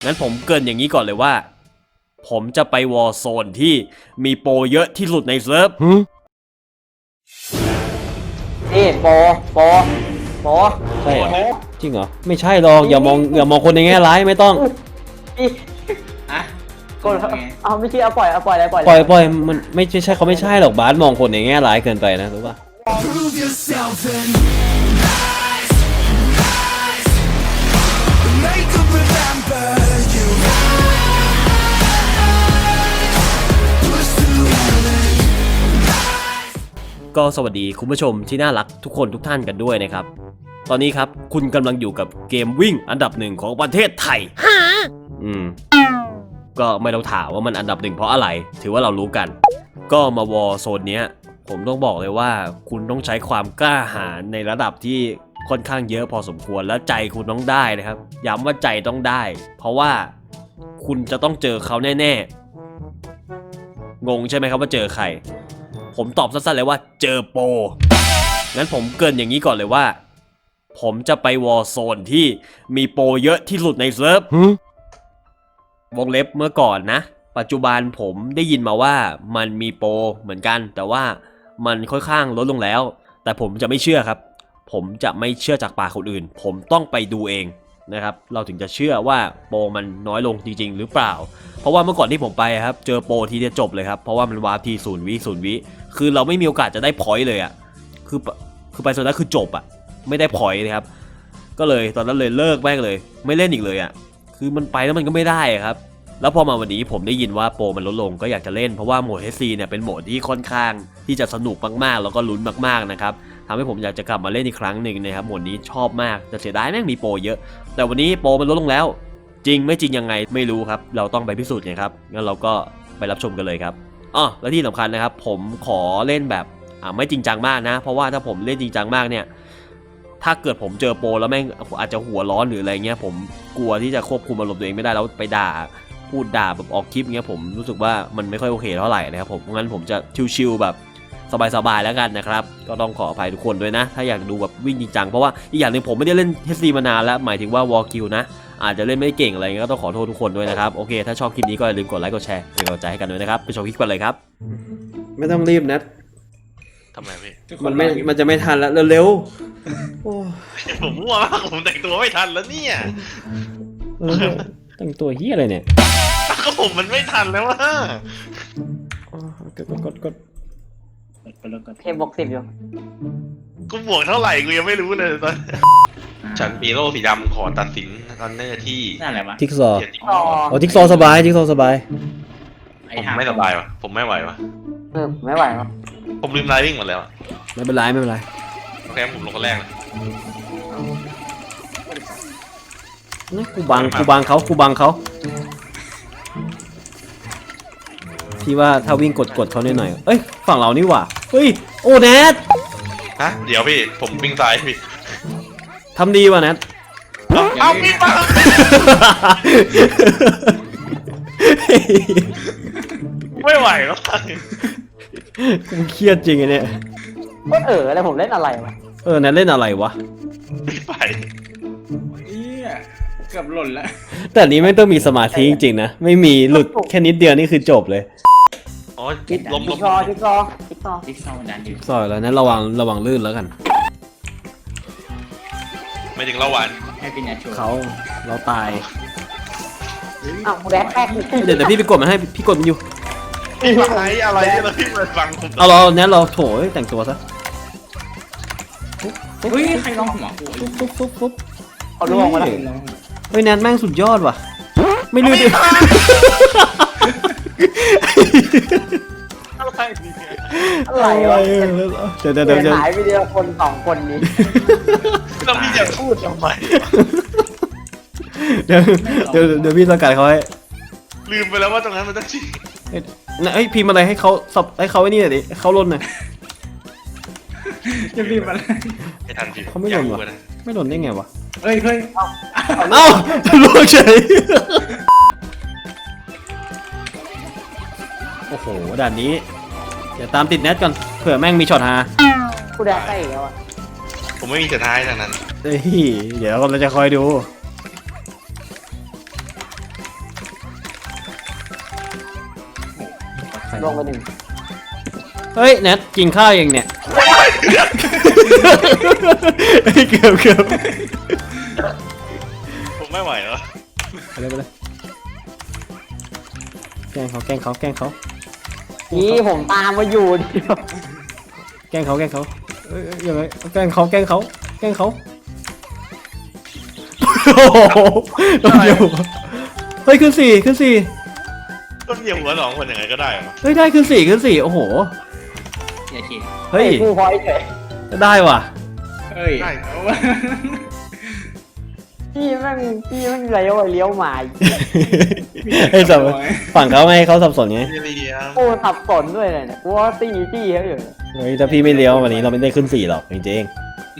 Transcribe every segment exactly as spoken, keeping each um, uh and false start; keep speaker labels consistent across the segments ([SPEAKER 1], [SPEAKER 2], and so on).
[SPEAKER 1] งั้นผมเกริ่นอย่างนี้ก่อนเลยว่าผมจะไปวอร์โซนที่มีโปรเยอะที่สุดในเซิร์ฟ
[SPEAKER 2] นี่โปโปโป
[SPEAKER 3] ใช่เหรอจริงเหรอไม่ใช่หรอกอย่ามองอย่ามองคนในแง่ร้ายไม่ต้อง
[SPEAKER 2] นี่
[SPEAKER 4] อะ
[SPEAKER 2] กดเอาไม่เชื่อเอาปล่อยเอาปล่อยอะไรปล่อย
[SPEAKER 3] ปล่อยปล่อยมันไม่ใช่เขาไม่ใช่หรอกบาสมองคนในแง่ร้ายเกินไปนะรู้ป่ะ
[SPEAKER 5] Prove yourself and rise, rise. Make them remember you. Push through heaven.
[SPEAKER 1] ก็สวัสดีคุณผู้ชมที่น่ารักทุกคนทุกท่านกันด้วยนะครับตอนนี้ครับคุณกำลังอยู่กับเกมวิ่งอันดับหนึ่งของประเทศไทยอืมก็ไม่ต้องถามว่ามันอันดับหนึ่งเพราะอะไรถือว่าเรารู้กันก็มาวอร์โซนเนี้ยผมต้องบอกเลยว่าคุณต้องใช้ความกล้าหาญในระดับที่ค่อนข้างเยอะพอสมควรและใจคุณต้องได้นะครับย้ำว่าใจต้องได้ เพราะว่าคุณจะต้องเจอเขาแน่ๆงงใช่ไหมครับว่าเจอใครผมตอบสั้นๆเลยว่าเจอโปรงั้นผมเกริ่นอย่างนี้ก่อนเลยว่าผมจะไปวอร์โซนที่มีโปรเยอะที่สุดในเซิร์ฟวงเล็บเมื่อก่อนนะปัจจุบันผมได้ยินมาว่ามันมีโปรเหมือนกันแต่ว่ามันค่อนข้างลดลงแล้วแต่ผมจะไม่เชื่อครับผมจะไม่เชื่อจากปากคนอื่นผมต้องไปดูเองนะครับเราถึงจะเชื่อว่าโปรมันน้อยลงจริงๆหรือเปล่าเพราะว่าเมื่อก่อนที่ผมไปครับเจอโปรทีเดียวจบเลยครับเพราะว่ามันวาร์ปทีศูนย์วิศูนย์วิคือเราไม่มีโอกาสจะได้พอยต์เลยอ่ะคือคือไปโซนนั้นคือจบอ่ะไม่ได้พอยต์เลยครับก็เลยตอนนั้นเลยเลิกแม่งเลยไม่เล่นอีกเลยอ่ะคือมันไปแล้วมันก็ไม่ได้ครับแล้วพอมาวันนี้ผมได้ยินว่าโปรมันลดลงก็อยากจะเล่นเพราะว่าโหมด เอช ซี เนี่ยเป็นโหมดที่ค่อนข้างที่จะสนุกมากๆแล้วก็ลุ้นมากๆนะครับทำให้ผมอยากจะกลับมาเล่นอีกครั้งหนึ่งนะครับโหมดนี้ชอบมากแต่เสียดายแม่งมีโปรเยอะแต่วันนี้โปรมันลดลงแล้วจริงไม่จริงยังไงไม่รู้ครับเราต้องไปพิสูจน์กันครับงั้นเราก็ไปรับชมกันเลยครับอ๋อและที่สำคัญนะครับผมขอเล่นแบบอ่าไม่จริงจังมากนะเพราะว่าถ้าผมเล่นจริงจังมากเนี่ยถ้าเกิดผมเจอโปรแล้วแม่งอาจจะหัวร้อนหรืออะไรเงี้ยผมกลัวที่จะควบคุมอารมณ์ตัวเองไม่ได้แล้วไปด่าพูดด่าแบบออกคลิปเงี้ยผมรู้สึกว่ามันไม่ค่อยโอเคเท่าไหร่นะครับผมงั้นผมจะชิวๆแบบสบายๆแล้วกันนะครับก็ต้องขออภัยทุกคนด้วยนะถ้าอยากดูแบบวิ่งจริงจังเพราะว่าอีกอย่างหนึ่งผมไม่ได้เล่น เอช ซี มานานแล้วหมายถึงว่าวอลคิวนะอาจจะเล่นไม่เก่งอะไรเงี้ยก็ต้องขอโทษทุกคนด้วยนะครับโอเคถ้าชอบคลิปนี้ก็อย่าลืมกดไลค์กดแชร์เป็นกำลังใจให้กันด้วยนะครับไปชมคลิปกันเลยครับ
[SPEAKER 3] ไม่ต้องรีบนะ
[SPEAKER 6] ทำไมพี่
[SPEAKER 3] มันไม่มันจะไม่ทันแล้วเร็วๆโอ้
[SPEAKER 6] ผมมั่วมากผมแต่งตัวไม่ทันแล้วเนี่ย
[SPEAKER 3] เออแต่งตัวเฮียอะไรเนี่ย
[SPEAKER 6] ก็ผมมันไม่ทันแล้วว่า
[SPEAKER 3] อ๋อกดกดกด
[SPEAKER 2] เทมบวกสิบอยู่
[SPEAKER 6] กูบวกเท่าไหร่กูยังไม่รู้เลยตอนฉันมีโล่สีดำขอตัดสินตอนเนอร์ที่
[SPEAKER 4] นั่นอะไรวะ
[SPEAKER 3] ทิกซอว์
[SPEAKER 6] เทียน
[SPEAKER 2] อ๋อ
[SPEAKER 3] อ๋อทิกซอว์สบายทิกซอว์สบาย
[SPEAKER 6] ผมไม่สบายวะผมไม่ไหววะ
[SPEAKER 2] เออไม่ไหวครับ
[SPEAKER 6] ผมลืมไลน์วิ่งหมดแล้วอะ
[SPEAKER 3] ไม่เป็นไรไม่เป็นไร
[SPEAKER 6] โอเคผมลงคนแรกเลย
[SPEAKER 3] นะกูบังกูบังเขากูบังเขาที่ว่าถ้าวิ่งกดกดเขาหน่อยๆเอ้ยฝั่งเรานี่หว่าเฮ้ยโอ้แนท
[SPEAKER 6] ฮะเดี๋ยวพี่ผมวิ่งซ้ายพี่
[SPEAKER 3] ทำดีว่ะแนท
[SPEAKER 6] เอาเอาพี่มาไม่ไหวแล้ว
[SPEAKER 3] กูเครียดจริงไอ้เนี่ย
[SPEAKER 2] ก็เออแล้วผมเล่นอะไรวะ
[SPEAKER 3] เออแนทเล่นอะไรวะ
[SPEAKER 6] ไม่ไป
[SPEAKER 4] เอี้ยเกือบหล่นแล้ว
[SPEAKER 3] แต่อันนี้ไม่ต้องมีสมาธิจริงๆนะไม่มีหลุดแค่นิดเดียวนี่คือจบเลย
[SPEAKER 6] อ๋อล้ม
[SPEAKER 2] จิ๊
[SPEAKER 6] ล้
[SPEAKER 2] ก
[SPEAKER 6] ม
[SPEAKER 2] ซอว์จิ๊กซอว์จิ๊กซอว์
[SPEAKER 4] จิ๊กซอว์มันดันอยู่
[SPEAKER 3] ซอยแล้วนั้นระวังระวังลื่นแล้วกัน
[SPEAKER 6] ไม่ถึงเราหวาน
[SPEAKER 4] ให้พี่แนทโชว์
[SPEAKER 3] เขาเราตาย
[SPEAKER 2] อ้าวแดกแป๊ก
[SPEAKER 3] เดี๋ยวเดี๋ยวพี่ไปกดมันให้พี่กดมันอยู่
[SPEAKER 6] พี่มาไลอะไรเนี่ยแล้วพี่มาฟังผม
[SPEAKER 3] เอาเราแนทเราโถยแต่งตัวซะ
[SPEAKER 4] เฮ้ยใครร้องหัวกู
[SPEAKER 3] ปุ๊บปุ๊บปุ๊บปุ๊บ
[SPEAKER 2] เขาล่วงมาแล้ว
[SPEAKER 3] เฮ้ยแนทแม่งสุดยอดว่ะไม่ลื่นดิ
[SPEAKER 6] อะไรเนี่ย
[SPEAKER 2] อะไรวะ
[SPEAKER 3] เดี๋ยวเดี๋ยวเดี๋ยว
[SPEAKER 2] เดิน
[SPEAKER 3] เดี๋ยว
[SPEAKER 2] หายไปเดียวคนสองคนนี้
[SPEAKER 6] แล้วพี่จะพูดทำไม
[SPEAKER 3] เดี๋ยวเดี๋ยวเดี๋ยวพี่สกัดเขาให้
[SPEAKER 6] ลืมไปแล้วว่าตรงนั้นมันต้องชี้
[SPEAKER 3] เอ้ยเอ้ยพิมพ์อะไรให้เขาสับให้เขาไอ้นี่หน่อยดิเขาลนหน่อย
[SPEAKER 4] จะรีบอะไร
[SPEAKER 6] ไม่ทันพี่
[SPEAKER 3] เขาไม่หล่นวะ
[SPEAKER 6] อยากรู้นะ
[SPEAKER 3] ไม่หล่นได้ไงวะ
[SPEAKER 4] เฮ้ยเฮ้ย
[SPEAKER 3] เอ้าล่วงเฉยโอ้โหด่านนี้เดี๋ยวตามติดแนทก่อนเผื่อแม่งมีช็อตฮา
[SPEAKER 2] กูแดกใกล้อีกแล้วอ่ะ
[SPEAKER 6] ผมไม่มีสุดท้ายทางนั้น
[SPEAKER 3] เฮ้ยเดี๋ยวเราจะคอยดูร
[SPEAKER 2] ลงไปหนึ่ง
[SPEAKER 3] เฮ้ยแนทกินข้าวยังเนี่ย เกือบเกือบ
[SPEAKER 6] ผมไม่ไหวแล้ว
[SPEAKER 3] ไปเลยไปเลยแกล้งเขาแกล้งเขาแกล้งเขา
[SPEAKER 2] นี่ผมตามมาอยู่เดียว
[SPEAKER 3] แกล้งเขาแกล้งเขาเอ้ยเอ้ยยังไงแกล้งเขาแกล้งเขาแกล้งเขาโอ้โหโดนอยู่เฮ้ยขึ้นสี่ขึ้นสี่
[SPEAKER 6] ก็เหยียบหัวสองคนยังไงก็ได้เหรอ
[SPEAKER 3] เฮ้ยได้ขึ้นสี่ขึ้นสี่โอ้โห
[SPEAKER 4] อย่าคิด
[SPEAKER 3] เฮ้ย
[SPEAKER 2] กูพอยเฉย
[SPEAKER 3] ได้ว่ะ
[SPEAKER 4] เฮ้ย
[SPEAKER 6] ได้
[SPEAKER 4] เอา
[SPEAKER 2] พี่แม่งพี่แม่งเลี้ยวเลี้ยวหมา
[SPEAKER 3] ให้สับฝั่งเขาไม่ให้เขาสับสนไง
[SPEAKER 6] เรีย
[SPEAKER 2] กูสับสนด้วยเลยเนี่ยกูว่าตีจี้เขาอยู่
[SPEAKER 3] เฮ้ยถ้าพี่ไม่เลี้ยววันนี้เราไม่ได้ขึ้นสี่หรอกจริง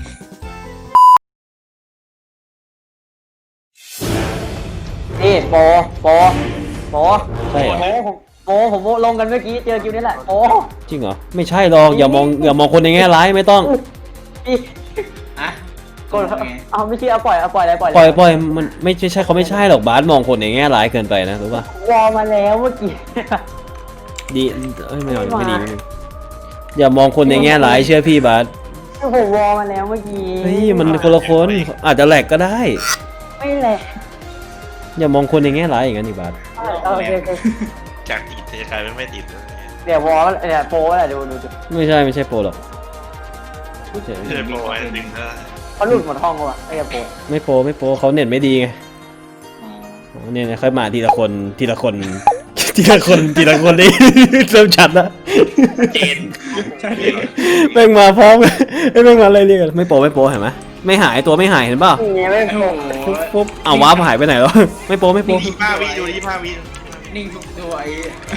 [SPEAKER 2] นี่โปโปโป
[SPEAKER 3] ๆใช่เหรอ
[SPEAKER 2] โปผมโปผมลงกันเมื่อกี้เจอคิวนี่แหละโป
[SPEAKER 3] จริงเหรอไม่ใช่หรอกอย่ามองอย่ามองคนในแง่ร้ายไม่ต้อง
[SPEAKER 2] พี่
[SPEAKER 4] อะ
[SPEAKER 2] กดเอาไม่เชื่อเอาปล่อยเอาปล่อยอะไรปล่อย
[SPEAKER 3] ปล่อยปล่อยมันไม่ใช่เขาไม่ใช่หรอกบาสมองคนในแง่ร้ายเกินไปนะรู้ป่ะ
[SPEAKER 2] วอลมาแล้วเมื่อกี้
[SPEAKER 3] ดีเอ้ยไม่เอาไม่ดีไม่ดีอย่ามองคนในแง่ร้ายเชื่อพี่บาส
[SPEAKER 2] ผมวอลมาแล้วเมื่อกี้
[SPEAKER 3] เฮ้ยมันคนละคนอาจจะแหลกก็ได้
[SPEAKER 2] ไม่แหละ
[SPEAKER 3] อย่ามองคนในแง่ร้ายอย่างนั้นดิบาส
[SPEAKER 2] โอเคโอเค
[SPEAKER 6] จากติดจะกลายเป็นไม่ติดเลย
[SPEAKER 2] เดี๋ยววอลเนี่ยโปแหละดูดูดู
[SPEAKER 3] ไม่ใช่ไม่ใช่โปรหรอกไม่ใช่
[SPEAKER 6] เพื่อนโปรไอ้ดึงได้
[SPEAKER 2] เขาหลุดหมดห้องแล้วอ่ะไอ้โป
[SPEAKER 3] ไม่โปรไม่โปรเขาเน็ตไม่ดีไง
[SPEAKER 4] อ๋อ
[SPEAKER 3] อ๋อเนี่ยค่อยมาทีละคนทีละคน ทีละคนทีละคนนี่ เริ่มชัดละ
[SPEAKER 6] เจน
[SPEAKER 3] แม่งมาพร้อมกันเอ้ยแม่งมาอะไรเรียกกันไม่โปรไม่โปรเห็นไหมไม่หายตัวไม่หายเห็นเปล่า
[SPEAKER 2] นี่ไม่
[SPEAKER 4] โอ้
[SPEAKER 2] โป
[SPEAKER 4] โห
[SPEAKER 3] ปุ๊บปุ๊บเอาวาร์ปหายไปไหนแล้ว ไม่โปรไม่โปร
[SPEAKER 6] ยี่ห้าวิดูยี่ห้าวิ
[SPEAKER 4] นิ่งทุกตัวไอ้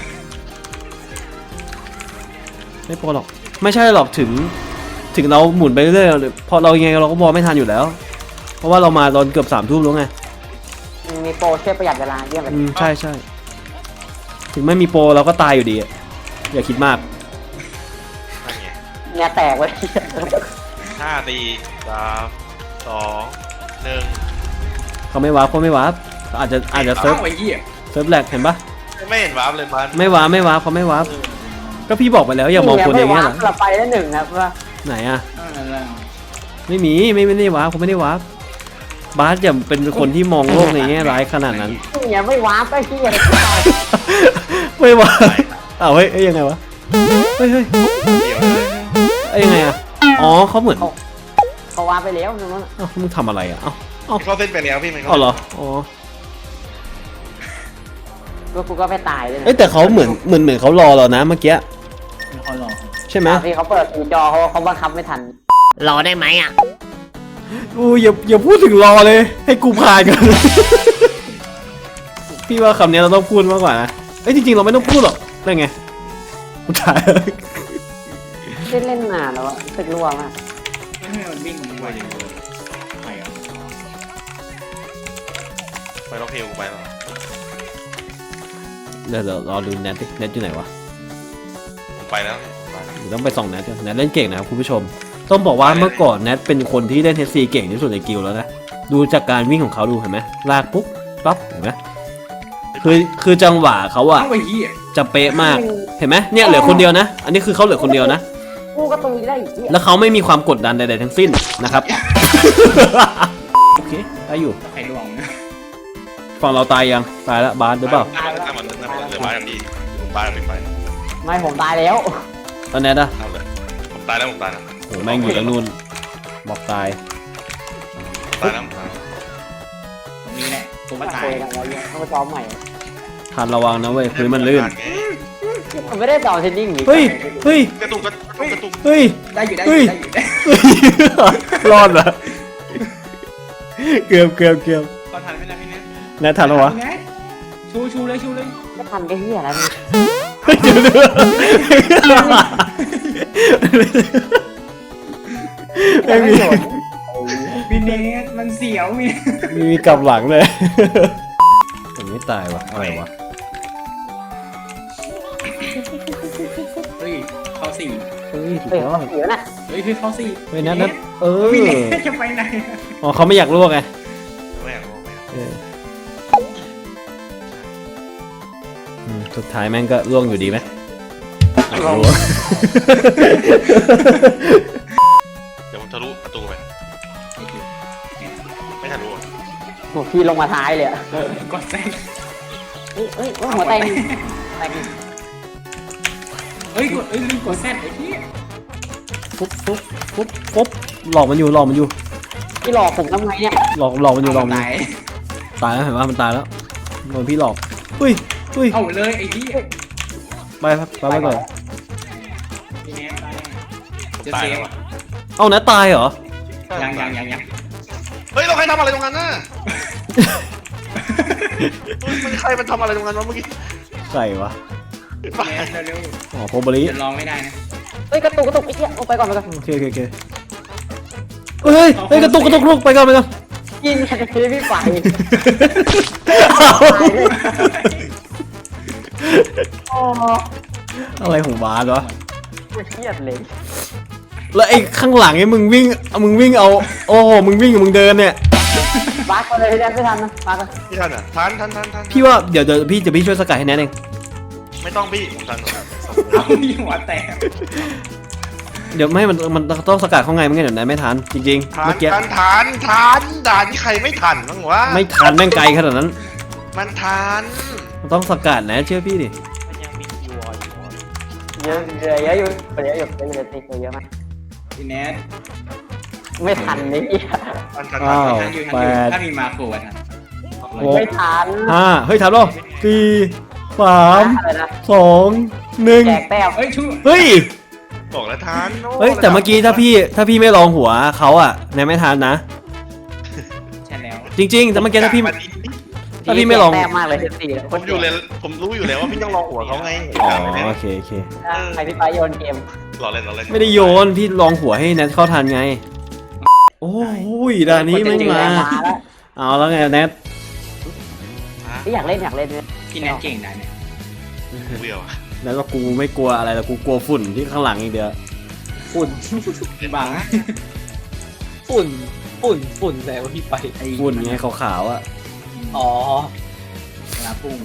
[SPEAKER 3] ไม่โปรหรอกไม่ใช่หรอกถึง ถึงเราหมุนไปเรื่อยๆพอเรายังไงเราก็มองไม่ทันอยู่แล้ว เพราะว่าเรามาตอนเกือบสามทุ่มแล้วไง
[SPEAKER 2] มีโปรช่วยประหยัดเวลาเยี่ยมเลย
[SPEAKER 3] อืมใช่ใช่ถึงไม่มีโปรเราก็ตายอยู่ดีอะอย่าคิดมาก
[SPEAKER 6] นั่นไง
[SPEAKER 2] เนี่ยแตกเลย
[SPEAKER 6] ห้าสี่สามสองหนึ่ง
[SPEAKER 3] เขาไม่วาร์ปเขาไม่วาร์ปเขาอาจจะอาจจะเซิร์ฟ
[SPEAKER 4] เอ้าไอ้เหี้ย
[SPEAKER 3] เซิร์ฟแหลกเห็นปะ
[SPEAKER 6] ไม่เห็นวาร์ปเลยมัน
[SPEAKER 3] ไม่วาร์ปไม่วาร์ปเขาไม่วาร์ปก็พี่บอกไปแล้วอย่ามองคนอย่างเงี้ยเหรอ
[SPEAKER 2] เราไปได้หนึ่งครับว่า
[SPEAKER 3] ไหนอะ
[SPEAKER 4] นั่นแหละ
[SPEAKER 3] ไม่มีไม่ไม่ได้วาร์ปเขาไม่ได้วาร์ปบาสอย่าเป็นคนที่มองโลกในแง่ร้ายขนาดนั้น
[SPEAKER 2] เนี่ยไม่ว้าไปที่อะไร
[SPEAKER 3] ไม่วาร์ปอ้าวเฮ้ยเอ้ยยังไงวะเฮ้ยเฮ้ย
[SPEAKER 6] เดี๋ยว
[SPEAKER 3] เอ้ยยังไงอะอ๋อเขาเหมือน
[SPEAKER 2] เขาว้าไปแล้วนึง
[SPEAKER 3] เอ้ามึงทำอะไรอะเอ้าเอ้า
[SPEAKER 6] เข้าเส้นไปแล้วพี่มัน
[SPEAKER 3] เอาเหรออ๋อ
[SPEAKER 2] แล้วกูก็ไปตายเลย
[SPEAKER 3] เอ้ยแต่เขาเหมือนเหมือนเหมือนเขารอเรานะเมื่อกี้
[SPEAKER 4] มีคนรอ
[SPEAKER 3] ใช่ไหม
[SPEAKER 2] พี่เขาเปิดสีจอเขาเขาบังคับไม่ทัน
[SPEAKER 7] รอได้ไหมอ่ะ
[SPEAKER 3] อู้อย่าอย่าพูดถึงรอเลย ให้กูผ่านก่อน พี่ว่าคำนี้เราต้องพูดมากกว่านะเอ้ยจริงๆเราไม่ต้องพูดหรอกได้ไงกูถ่าย
[SPEAKER 2] ได้เล่นนานแล้วตึกรัวมาก
[SPEAKER 4] ไม่ให้มันวิ่งไวอย่างเดียวไปอ่ะ
[SPEAKER 6] ไปล็อกเฮลกูไปแล้ว
[SPEAKER 3] เดี๋ยวเดี๋ยวรอดูแนทดิแนทอยู่ไหนวะ
[SPEAKER 6] ผมไปแล้วไปแล้ว
[SPEAKER 3] เดี๋ยวต้องไปส่องแนทก่อนแนทเล่นเก่งนะครับคุณผู้ชม ต้องบอกว่าเมื่อก่อนแนทเป็นคนที่เล่นเฮซีเก่งที่สุดในกิลด์แล้วนะดูจากการวิ่งของเขาดูเห็นไหมลากปุ๊บปั๊บเห็นไหมคือคือจังหวะเขาอะ
[SPEAKER 4] เอ้าไอ้เหี้ย
[SPEAKER 3] จะเป๊ะมากเห็นไหมเนี่ยเหลือคนเดียวนะ อันนี้คือเขาเหลือคนเดียวนะ
[SPEAKER 2] กูก็ตุยได้อีก
[SPEAKER 3] แล้วเขาไม่มีความกดดันใดๆทั้งสิ้นนะครับ โอเคได้อยู่
[SPEAKER 4] ใครลวงนะ
[SPEAKER 3] ฝั่งเราตายยังตายแล้วบาสหรือเปล่า
[SPEAKER 6] ถ้ามันถ้ามันเหลือบ้านอย่างดีผมบ้านไม่ไป
[SPEAKER 2] ไม่ผมตายแล้ว
[SPEAKER 3] ตอนแนทอะ
[SPEAKER 6] เอาเลยผมตายแล้วผมตายแล้ว
[SPEAKER 3] โหแม่งอยู่ตรงนู้นบอกตาย
[SPEAKER 6] ผมตายแล้วผมตายแล้ว
[SPEAKER 4] ตรงนี้แหละตัวมาตา
[SPEAKER 2] คุ
[SPEAKER 4] ย
[SPEAKER 2] ยกันแล้วต้องไปซ้อมใหม่
[SPEAKER 3] ทันระวังนะเว้ยพื้นมันลื่น
[SPEAKER 2] มันไม่ได้ต่อเทนนิ่งหรือ
[SPEAKER 3] เฮ้ยเฮ้ย
[SPEAKER 6] กระตุกกระตุกกระตุก
[SPEAKER 3] เฮ้ย
[SPEAKER 4] ได้อยู่ได้อ
[SPEAKER 3] เฮ้
[SPEAKER 4] ยู่
[SPEAKER 3] ย
[SPEAKER 4] ได้อยู่ได้
[SPEAKER 3] รอดเหรอเกือบเกือบเกือบ
[SPEAKER 4] ก็ทันไม่ได้พี่เนี่ย
[SPEAKER 3] แนททันแล้ววะ
[SPEAKER 4] ชูชูเลยชูเลย
[SPEAKER 2] ไม่ทันก็เฮียแล้วนี่
[SPEAKER 3] เฮ้ยเดี๋ยวเดี๋ยวแม่งมี
[SPEAKER 4] พี่เนสมันเสียวมี
[SPEAKER 3] มีมีกลับหลังเลยผมไม่ตายวะอะไรวะ
[SPEAKER 4] เฮ้ยเข้าสี่
[SPEAKER 3] เฮ้ยสุด
[SPEAKER 2] เฮ้ย
[SPEAKER 3] ยอ
[SPEAKER 2] เขา
[SPEAKER 3] ด
[SPEAKER 2] เสียน่ะ
[SPEAKER 4] เฮ้ยพี่เข้าสี่
[SPEAKER 3] เฮ้ยนัทนัทเออ
[SPEAKER 4] พี่เนสจะไปไหน
[SPEAKER 3] อ๋อเขาไม่อยากลวกไง
[SPEAKER 6] ไม่เอาไม่เอา
[SPEAKER 3] เอออืมสุดท้ายแม่งก็ล่วงอยู่ดีไหม
[SPEAKER 2] ลง
[SPEAKER 6] เดี๋ยวผมทะลุประตูไปไม่ทะลุอะ
[SPEAKER 2] โหพี่ลงมาท้ายเลยอะ
[SPEAKER 4] กดแซง
[SPEAKER 2] เอ้ยเอ้ยหัวแตงแตง
[SPEAKER 4] เอ้ยกดเอ้ยลืมกดแซงไอ้พี่
[SPEAKER 3] ปุ๊บปุ๊บปุ๊บปุ๊บหลอกมันอยู่หลอกมันอยู่
[SPEAKER 2] พี่หลอกผมทำไงเนี่ย
[SPEAKER 3] หลอกหลอกมันอยู่หลอกมันอ
[SPEAKER 4] ตา
[SPEAKER 3] ยู่
[SPEAKER 4] ย
[SPEAKER 3] ตายแล้วเห็นว่ามันตายแล้วโดนพี่หลอกอุ้ยอุ้ย
[SPEAKER 4] เอาเลยไอ้พี่
[SPEAKER 3] ไปครับไปไปก่อน
[SPEAKER 4] พี่แนทตาย
[SPEAKER 6] ผม
[SPEAKER 4] จะ
[SPEAKER 6] ตาย
[SPEAKER 4] เซ
[SPEAKER 6] แล้ว
[SPEAKER 4] ฟ
[SPEAKER 6] อะ
[SPEAKER 3] เอานะตายเหรอ
[SPEAKER 4] ยังยังยังยัง
[SPEAKER 6] เฮ้ยเราใครทำอะไรตรงนั้นน่ะเฮ้ยมันใครมันทำอะไรตรงนั้นวะเมื่อกี้
[SPEAKER 3] ใส่วะ
[SPEAKER 4] พี่แนทเร็ว
[SPEAKER 3] อ๋อโคบริ
[SPEAKER 4] ๆจะลองไม่ได้นะ
[SPEAKER 2] เฮ้ยกระตุกกระตุกไอ้เหี้ยเอาไปก่อนไปก่อน
[SPEAKER 3] โอเคโอเคโอเคเฮ้ยเฮ้ยกระตุกกระตุกลูกไปก่อนไปก่อน
[SPEAKER 2] ยิงกันทีพี่ไป โอ้
[SPEAKER 3] อะไรของบาสวะ
[SPEAKER 2] เครียดเลย
[SPEAKER 3] แล้วไอ้ข้างหลังไอ้มึงวิ่งเอามึงวิ่งเอาโอ้โหมึงวิ่งกับมึงเดินเนี่ย
[SPEAKER 2] บักเลยพี่แดนไม่ทันนะบักเลย
[SPEAKER 6] พี่ทันอ่ะทันทันทันทัน
[SPEAKER 3] พี่ว่าเดี๋ยวเดี๋ยวพี่จะพี่ช่วยสกัดให้แนทเอง
[SPEAKER 6] ไม่ต้องพี่ผมทันผมทัน
[SPEAKER 4] เอาพี่หัวแตก
[SPEAKER 3] เดี๋ยวไม่มันมันต้องสกัดเข้าไงไม่งั้นเดี๋ยวแนทไม่ทันจริงๆ
[SPEAKER 6] ทั
[SPEAKER 3] เมื่
[SPEAKER 6] น
[SPEAKER 3] อกี้
[SPEAKER 6] ทันทันทันด่านที่ใครไม่ทันบ้างวะ
[SPEAKER 3] ไม่ทันแม่งไกลขนาดนั้น
[SPEAKER 6] มันทัน
[SPEAKER 3] มันต้องสกัดแนทเชื่อพี่ดิ
[SPEAKER 6] มันยังมีคิวออยู่
[SPEAKER 2] เยอะเยอะเยอะอยู่เยอะอยู่เยอะอยู่ติดเยอะมาก
[SPEAKER 4] พี่แนท
[SPEAKER 2] ไม่ทันนี่
[SPEAKER 6] ทันทัน
[SPEAKER 3] อ้าว
[SPEAKER 4] ทันอยู่ทัน
[SPEAKER 3] แป
[SPEAKER 4] อยู่
[SPEAKER 3] ด
[SPEAKER 4] ถ้ามีมาโครทัน
[SPEAKER 3] หก
[SPEAKER 2] ไม่ทัน
[SPEAKER 3] ห้าเฮ้ยทันหรอสี่สาม
[SPEAKER 2] อะไรนะ
[SPEAKER 3] สองหนึ่ง
[SPEAKER 2] แจกแต้ม
[SPEAKER 4] เอ้ยชู
[SPEAKER 3] เฮ้ย
[SPEAKER 6] บอกแล้วทันโ
[SPEAKER 3] เฮ้ยแต่เมื่อกี้ถ้าพี่ถ้าพี่ไม่ลองหัวเขาอะแนทไม่ทันนะ
[SPEAKER 4] ใช่แล้ว
[SPEAKER 3] จริง ๆ แต่เมื่อกี้ถ้าพี่
[SPEAKER 6] วันนี้
[SPEAKER 3] ถ้าพี่ไม่ลอง
[SPEAKER 2] แต้มมากเลยสี่
[SPEAKER 6] ผมอยู่เลยผมรู้อยู่แล้วว่าพี่ต้องลองหัวเขาไง
[SPEAKER 3] อ๋อ
[SPEAKER 6] ไม่ได้
[SPEAKER 3] โอเคโอเค
[SPEAKER 2] ใครพี่ไปโยนเกม
[SPEAKER 6] รอเล่นรอเล่น
[SPEAKER 3] ไม่ได้โยนพี่ลองหัวให้แนทเข้าทันไง โอ้ยด่านนี้ไม่มา
[SPEAKER 2] มาแล้ว
[SPEAKER 3] เอาแล้วไงแนท
[SPEAKER 2] พี่อยากเล่นอยากเล่นเนี่ย
[SPEAKER 4] พี่แนทเก่งนะเนี่ย
[SPEAKER 6] เบื่อว่ะ
[SPEAKER 3] แนทว่ากูไม่กลัวอะไรแต่กูกลัวฝุ่นที่ข้างหลังอีกเดียว
[SPEAKER 7] ฝุ่น
[SPEAKER 4] บัง
[SPEAKER 7] ฝุ่นฝุ่นฝุ่นแต่ว่าพี่ไป
[SPEAKER 4] ไอ้
[SPEAKER 3] ฝุ่นไงขาวๆอะ
[SPEAKER 7] อ๋อ
[SPEAKER 4] เวลาพุ่ง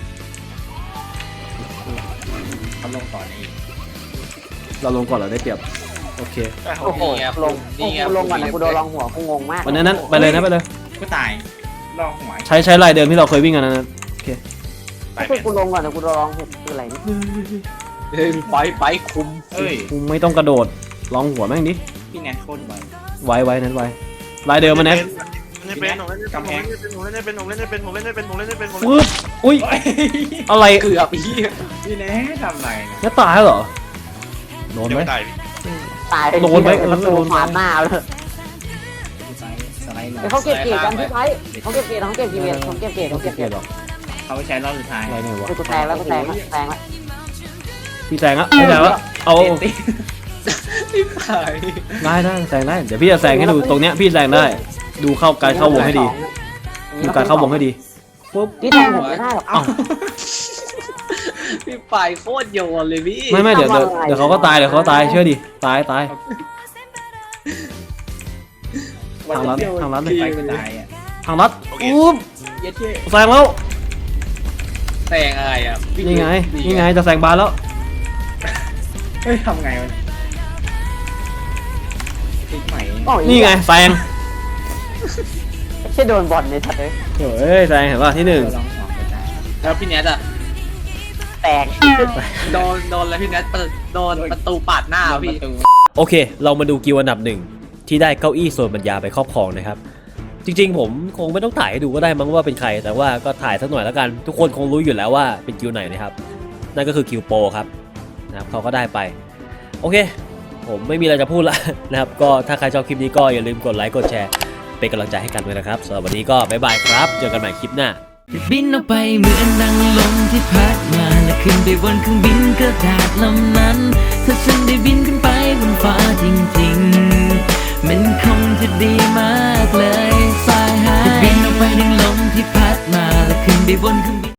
[SPEAKER 4] เขาลงต่อในอีก
[SPEAKER 3] เราลงก่อนเราได้เปรียบโอเค
[SPEAKER 2] โอ้โหลงกูลงก่อนนะกูโดนลองหัวกูงงมาก
[SPEAKER 3] วันนั้นนั้นไปเลยนะไปเลย
[SPEAKER 4] ก็ตายลองหัว
[SPEAKER 3] ใช้ใช้ลายเดิมที่เราเคยวิ่งกันนั้นนะโอเค
[SPEAKER 6] ตาย
[SPEAKER 2] คื
[SPEAKER 6] เป็
[SPEAKER 2] อน กูลงก่อนนะกูโดนลองหัวคืออะไรนี่
[SPEAKER 7] เฮ้ยไปไปคุม
[SPEAKER 4] เอ้ย
[SPEAKER 3] กูไม่ต้องกระโดดลองหัวแม่งดิ
[SPEAKER 4] พี่แนทโคตรไว
[SPEAKER 3] ไว้ไว้นั้นไว้ลายเดิมมาแนท
[SPEAKER 6] เล่นเป็นผมเล่นเป็นผมเล่นเป็นผมเล่นเป็นผมเล่นเป็นผมเล่นเป็นผมเล่นเป็นผมเล่น
[SPEAKER 3] ฟึบอุ้ย
[SPEAKER 4] เฮ้ย
[SPEAKER 3] อะไร
[SPEAKER 7] เกือบอีก
[SPEAKER 4] พี่แนททำไรเนี่ย
[SPEAKER 3] แนทตายแล้วเหรอโดน
[SPEAKER 6] ยัง
[SPEAKER 3] ไหม
[SPEAKER 6] ไม่ตาย
[SPEAKER 2] ตาย
[SPEAKER 3] โดนไหม
[SPEAKER 2] ประตูขวาหน้าเลย
[SPEAKER 4] สไลด์สไลด์หน่อย
[SPEAKER 2] เดี๋ยวเขาเก็บเกียร์กันพี่ไพ่เขาเก็บเกียร์เขาเก็บเกียร์เขาเก็บเกียร์เขาเก็บ
[SPEAKER 3] เก
[SPEAKER 2] เกีย
[SPEAKER 3] ลีย
[SPEAKER 2] ร์
[SPEAKER 3] ดหรอก
[SPEAKER 4] เขาใช้รอบสุดท้าย
[SPEAKER 3] อะไรเนี่ยวะ
[SPEAKER 2] กูแตงแล้วกูแตงแล้วแตงแล้ว
[SPEAKER 3] พี่แซงอะพี่แซงแล้วเอา
[SPEAKER 4] ติด
[SPEAKER 7] พี่ไป
[SPEAKER 3] ได้ได้แซงได้เดี๋ยวพี่จะแซงให้ดูตรงเนี้ยพี่แซงได้ ดูเข้าการเข้าวงให้ดีดูการเข้าวงให้ดีปุ๊บ
[SPEAKER 2] พี่แตงผมไม่ได้หรอก
[SPEAKER 3] เอ้า
[SPEAKER 7] พี่ไปโคตรโยนเลยพี่
[SPEAKER 3] ไม่ไม่เดี๋ยวเดี๋ยวเดี๋ยวเขาก็ตายเดี๋ยวเขาตายเชื่อดิตายตาย ทางลัดทางลัดเลย
[SPEAKER 4] ไปก็ตายอ่ะ
[SPEAKER 3] ทางลัดอุ๊บ
[SPEAKER 7] เย็ดเย้
[SPEAKER 3] แซงแล้ว
[SPEAKER 7] แซงอะไรอ่ะพี่
[SPEAKER 3] นี่ไงนี่ไงจะแซงบาสแล้ว
[SPEAKER 4] เฮ้ยทำไงวะติดใหม่
[SPEAKER 3] นี่ไงแซง
[SPEAKER 2] แค่โดนบอลในทัดเลย
[SPEAKER 3] เฮ้ยแซงเห็นป่ะที่หนึ่ง
[SPEAKER 4] ลองสองก็ได้
[SPEAKER 7] แล้วพี่แนทอ่ะ
[SPEAKER 2] แตก
[SPEAKER 7] โดนโดนแล้วพี่แนทเปิดโดนประตูปาดหน้า
[SPEAKER 4] โดนป
[SPEAKER 7] พี่
[SPEAKER 4] ระตู
[SPEAKER 1] โอเค เรามาดูกิวอันดับหนึ่งที่ได้เก้าอี้โซนบรรยาไปครอบครองนะครับ จริงๆ ผมคงไม่ต้องถ่ายให้ดูก็ได้มั้งว่าเป็นใคร แต่ว่าก็ถ่ายสักหน่อยแล้วกัน ทุกคนคงรู้อยู่แล้วว่าเป็นกิวไหนนะครับ นั่นก็คือกิวโปรครับนะครับเขาก็ได้ไป โอเค ผมไม่มีอะไรจะพูดละ นะครับ ก็ถ้าใครชอบคลิปนี้ก็อย่าลืมกดไลค์กดแชร์ เป็นกำลังใจให้กันด้วยนะครับสำหรับวันนี้ก็บ๊ายบายครับ เจอกันใหม่คลิปหน้า
[SPEAKER 8] บินออกไปเหมือนดังลมที่พัดมาและขึ้นไปบนเครื่องบินกระดาษลำนั้น ถ้าฉันได้บินขึ้นไปบนฟ้าจริงๆ มันคงจะดีมากเลยสายหายบินออกไปดังลมที่พัดมาและขึ้นไปบนเครื่อง